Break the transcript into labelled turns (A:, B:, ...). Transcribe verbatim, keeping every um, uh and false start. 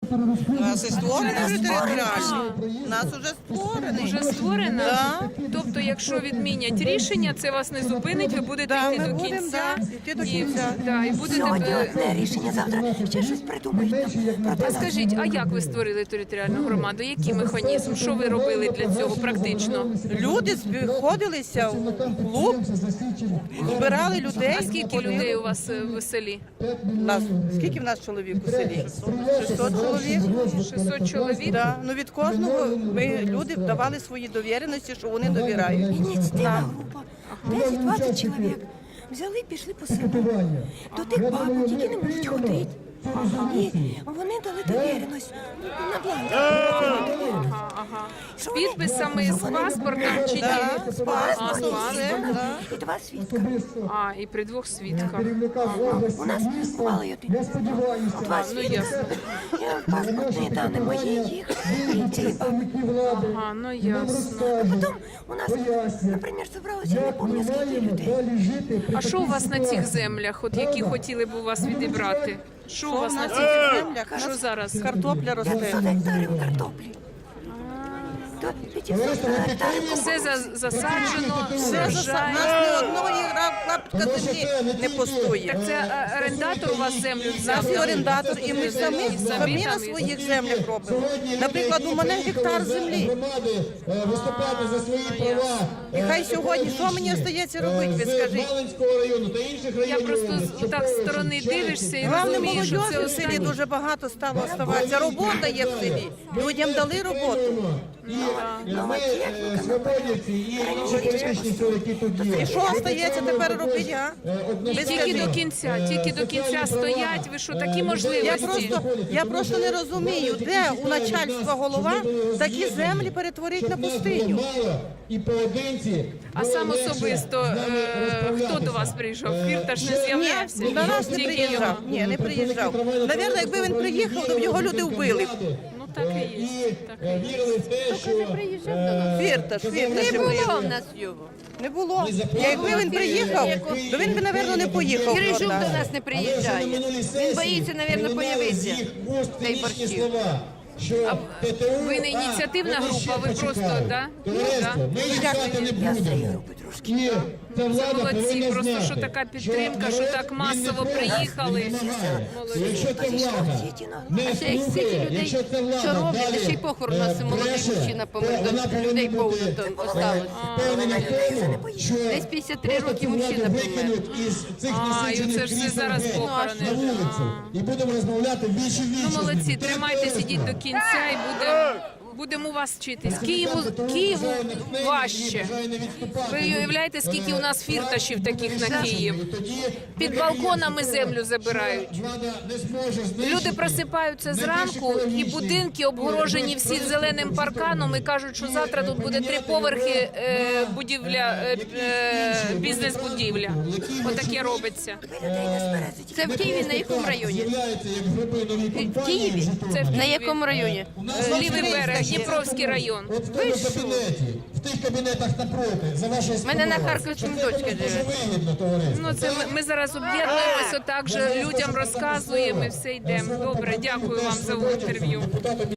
A: У нас і створений вже територіальний. У нас вже створений.
B: Вже створена?
A: Да.
B: Тобто, якщо відмінять рішення, це вас не зупинить, ви будете
A: Да,
B: йти
A: ми
B: до
A: будемо,
B: кінця.
A: да, йти до
B: І-
A: кінця.
B: да, і будете...
C: Сьогодні
B: е,
C: одне рішення, завтра ще щось придумають. Проте
B: А
C: нас
B: скажіть, а як ви створили територіальну громаду? Який механізм? Що ви робили для цього практично?
A: Люди сходилися в клуб, збирали людей.
B: А скільки людей у вас е, в селі?
A: Нас, скільки в нас чоловік у селі? шістсот чоловік.
B: шістсот чоловік?
A: Да. Ну, від кожного ми, люди давали свої довіреності, що вони довіряють.
C: ініціативна група, десять-двадцять чоловік. Взяли, пішли по селу. До тих бабок, які не можуть ходити. І вони дали довіреність на бланк.
B: Ага, ага. З підписами, з паспортом чи ні?
A: Да, з
B: А, з
A: паспортом,
B: паспортом.
A: да.
C: І два свідка.
B: А, і при двох свідках.
C: У нас бувало й один. Два
B: Ну,
C: свідка.
B: ясно.
C: І паспортні дані мої, їх, і цієї бабки.
B: Ага, ну ясно.
C: Потім у нас, наприклад, зібралося, я не пам'ятаю, скільки людей.
B: А що у вас на цих землях, от які хотіли б у вас відібрати? Що у вас на цих землях? Що зараз?
A: Картопля росте.
C: п'ятсот гектарів картоплі. До п'ятсот гектарів.
B: Все за- засаджено,
A: Все за
B: врожай.
A: нас ні одної клаптика землі не пустує.
B: Так це е, орендатор у вас землю
A: У
B: взяв?
A: нас є орендатор, і ми самі,
B: І самі
A: самі на
B: там
A: своїх землях робимо. Наприклад, у мене гектар землі.
D: Громади е, виступати за свої права.
A: І хай сьогодні, що мені остається робити, ви
D: З
A: скажіть?
D: Малинського району та інших
B: Я
D: районів.
B: просто з- так з сторони дивишся і
A: Головне,
B: розумієш, що це
A: молодіжі в селі
B: останнє.
A: дуже багато стало оставатися. Робота є в селі. Людям дали роботу.
D: І ми е, свободівці, і інші політичні сили, які тут є.
A: І що остається тепер робити, а?
D: Е, одна
A: Ви
B: Тільки
A: скажіть.
B: до кінця, тільки до кінця стоять. Ви що, такі
A: Я
B: можливості?
A: просто, я просто не розумію, де у начальства голова такі землі перетворить на пустиню.
D: Мало і поодинці.
B: А сам особисто е, хто до вас приїжджав? Фірташ не з'являвся?
A: Ні, до нас не
B: Тільки
A: приїжджав.
B: його.
A: Ні, не приїжджав. Навірно, якби він приїхав, то б його люди вбили.
B: Ну так і
D: І
B: є. Так і
D: е,
B: є.
D: вірили в те, що е,
A: Фірташ, фірташ.
E: Не було в нас його.
A: Не було. Якби він приїхав, то він би, напевно, не поїхав.
E: Кирижук
A: туди.
E: до нас не приїжджає. Він боїться, мабуть, появитися. Цей борщів.
B: Ви не ініціативна група, ви просто, да? Ну, да.
D: Ми чекати не будемо. І ця
B: Це
D: влада
B: молодці,
D: повинна
B: просто
D: знати,
B: що така підтримка, що
D: народ,
B: так
D: він
B: масово
D: не
B: приїхали.
D: він вимагає.
B: Молодці.
D: Якщо ця влада не
E: А ще й стільки
D: слухає,
E: людей,
D: якщо ця влада
E: що роблять,
D: далі,
E: ще й похорон у
D: е,
E: нас молодий
D: бреше,
E: мужчина помер,
D: то вона
E: то
D: повинна
E: людей
D: бути,
E: повно там
D: е,
E: осталось.
D: впевнена в тому, що
E: Десь п'ятдесят три
D: просто
E: роки
D: цю владу
E: мужчина помер.
D: викинуть із цих
B: А, і
D: насичених
B: оце ж все
D: крісел
B: зараз
D: геть
B: похорони.
D: на вулицю. І будемо розмовляти більше
B: Ну,
D: вічно.
B: молодці, тримайтеся, ідіть до кінця і будемо будемо у вас вчитись. Києву, Києву важче. Ви уявляєте, скільки у нас фірташів таких на Київ? Під балконами землю забирають. Люди просипаються зранку, і будинки обгорожені всі зеленим парканом і кажуть, що завтра тут буде три поверхи е, будівля, е, е, бізнес-будівля. Отаке робиться.
E: Це в Києві на якому районі?
D: В
E: Києві?
B: Це в
E: На
B: Києві.
E: якому районі?
B: Е, Лівий берег, Дніпровський район.
D: От в тому кабінеті, в тих кабінетах напроти, за вашою спиною.
E: Мене на Харківському
D: Це
E: дочка
D: просто
E: живе.
D: вигідно, товариство.
B: Ну це ми, ми зараз об'єднуємося, так же людям розказуємо і все йдемо. Добре, дякую вам за інтерв'ю.
D: Депутати